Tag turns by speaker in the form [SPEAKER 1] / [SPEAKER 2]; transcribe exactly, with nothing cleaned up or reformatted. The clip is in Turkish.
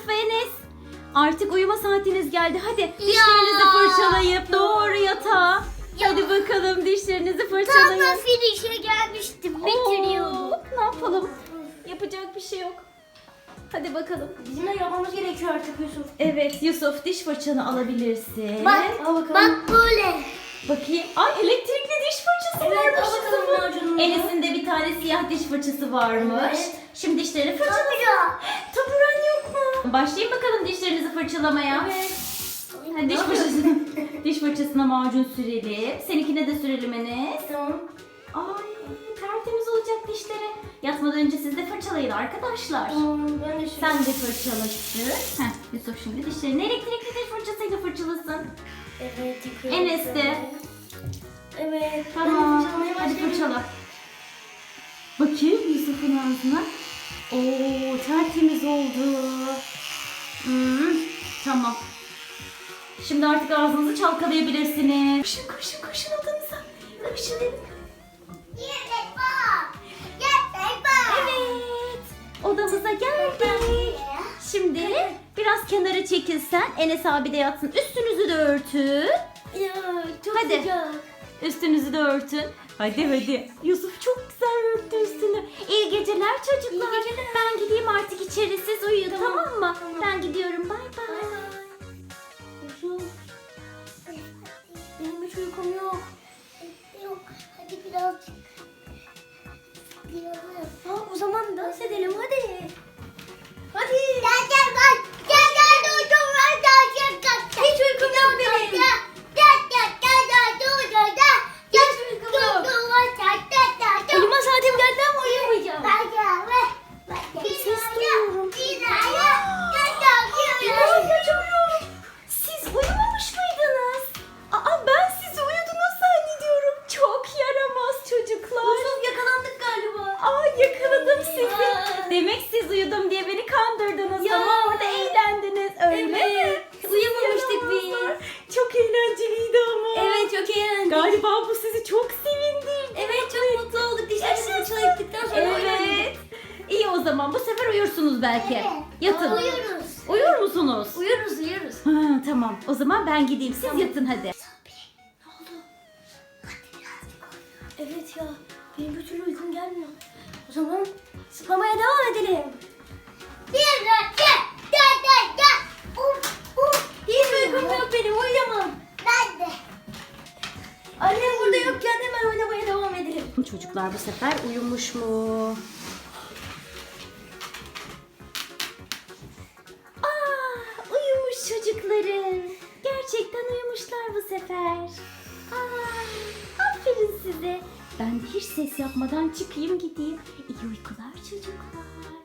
[SPEAKER 1] ve Enes. Artık uyuma saatiniz geldi. Hadi dişlerinizi fırçalayıp doğru yatağa.
[SPEAKER 2] Ya.
[SPEAKER 1] Hadi bakalım dişlerinizi
[SPEAKER 2] Tam
[SPEAKER 1] fırçalayın.
[SPEAKER 2] da finish'e gelmiştim. Bitiriyordum.
[SPEAKER 1] Oo, ne yapalım? Yapacak bir şey yok. Hadi bakalım.
[SPEAKER 2] Bizim de yapmamız gerekiyor artık Yusuf.
[SPEAKER 1] Evet Yusuf, diş fırçanı alabilirsin.
[SPEAKER 2] Bak,
[SPEAKER 1] Al bakalım.
[SPEAKER 2] bak böyle.
[SPEAKER 1] Bakayım. Ay, elektrikli diş fırçası
[SPEAKER 2] Evet,
[SPEAKER 1] varmış
[SPEAKER 2] al bakalım
[SPEAKER 1] Yusuf'un.
[SPEAKER 2] macununu.
[SPEAKER 1] Enes'in de bir tane siyah diş fırçası varmış.
[SPEAKER 2] Evet.
[SPEAKER 1] Şimdi dişlerini fırçalasın.
[SPEAKER 2] Tabii.
[SPEAKER 1] Taburan yok mu? Başlayın bakalım dişlerinizi fırçalamaya.
[SPEAKER 2] Evet.
[SPEAKER 1] Ha, diş fırçasına, diş fırçasına macun sürelim. Seninkine de sürelim Enes.
[SPEAKER 2] Tamam.
[SPEAKER 1] Ay, tertemiz olacak dişleri. Yatmadan önce siz de fırçalayın arkadaşlar.
[SPEAKER 2] Tamam, ben de şöyle.
[SPEAKER 1] Sen de fırçalasın. Heh, Yusuf şimdi dişlerini elektrikli diş fırçasıyla fırçalasın.
[SPEAKER 2] Evet, yıkıyorum.
[SPEAKER 1] Enes de.
[SPEAKER 2] Evet.
[SPEAKER 1] Tamam.
[SPEAKER 2] Ben de fırçalamaya
[SPEAKER 1] Hadi
[SPEAKER 2] başlayayım.
[SPEAKER 1] fırçala. Bakayım Yusuf'un ağzına. Oo, tertemiz oldu. Hmm, tamam. Şimdi artık ağzınızı çalkalayabilirsiniz. Koşun koşun koşun odanıza. Koşun.
[SPEAKER 2] Evet, bak. Evet, bak.
[SPEAKER 1] Evet. Odamıza geldik. Şimdi biraz kenara çekilsen. Enes abi de yatsın. Üstünüzü de örtün.
[SPEAKER 2] Ya, çok
[SPEAKER 1] Hadi.
[SPEAKER 2] sıcak.
[SPEAKER 1] Üstünüzü de örtün. Hadi hadi. Yusuf çok güzel örttü üstünü. İyi geceler çocuklar.
[SPEAKER 2] İyi geceler.
[SPEAKER 1] Ben gideyim artık içeri. Siz uyuyun, tamam,
[SPEAKER 2] Tamam,
[SPEAKER 1] mı?
[SPEAKER 2] tamam.
[SPEAKER 1] Ben gidiyorum. Bay bay.
[SPEAKER 2] Yusuf. Benim hiç uykum yok. Yok. Hadi birazcık. Biraz. Ha, o zaman dans edelim hadi. Hadi. Gel gel gel. Gel gel uykum var. Gel gel gel. Hiç uykum yok benim. Gel gel gel gel gel gel gel gel. Hiç uykum yok. Uyuma saatim geldi ama uyumayacağım. Ben gel ve. Ses duyuyorum.
[SPEAKER 1] Siz uyumamış mıydınız? Aa, ben sizi uyudunuz zannediyorum. Çok yaramaz çocuklar.
[SPEAKER 2] Yusuf yakalandık galiba.
[SPEAKER 1] Aa, yakaladım sizi.
[SPEAKER 2] Aa.
[SPEAKER 1] Demek siz uyudum diye beni kandırdınız
[SPEAKER 2] Ya.
[SPEAKER 1] ama orada eğlendiniz, öyle mi?
[SPEAKER 2] Evet. Uyumamıştık biz.
[SPEAKER 1] Yaramazlar. Çok eğlenceliydi ama.
[SPEAKER 2] Evet çok eğlendik.
[SPEAKER 1] Galiba bu sizi çok sevindirdi.
[SPEAKER 2] Evet çok mutlu olduk. Dişlerimizi fırçaladıktan sonra uyandık.
[SPEAKER 1] Evet. İyi, o zaman bu sefer uyursunuz belki.
[SPEAKER 2] Evet.
[SPEAKER 1] Yatın.
[SPEAKER 2] Uyuruz.
[SPEAKER 1] Uyur musunuz?
[SPEAKER 2] Uyuruz uyuruz.
[SPEAKER 1] Ha, tamam. O zaman ben gideyim. Siz
[SPEAKER 2] Tamam.
[SPEAKER 1] yatın hadi.
[SPEAKER 2] Ne oldu? Evet ya. Benim bir türlü uykum gelmiyor. O zaman sıplamaya devam edelim. Bir dakika. Gel gel gel. Uf uf. Hiç uykum yok benim. Uyuyamam. Ben de. Annem burada yokken hemen oynamaya devam edelim.
[SPEAKER 1] Çocuklar bu sefer uyumuş mu? Aa, uyumuş çocuklarım. Gerçekten uyumuşlar bu sefer. Aa, aferin size. Ben de hiç ses yapmadan çıkayım gideyim. İyi uykular çocuklar.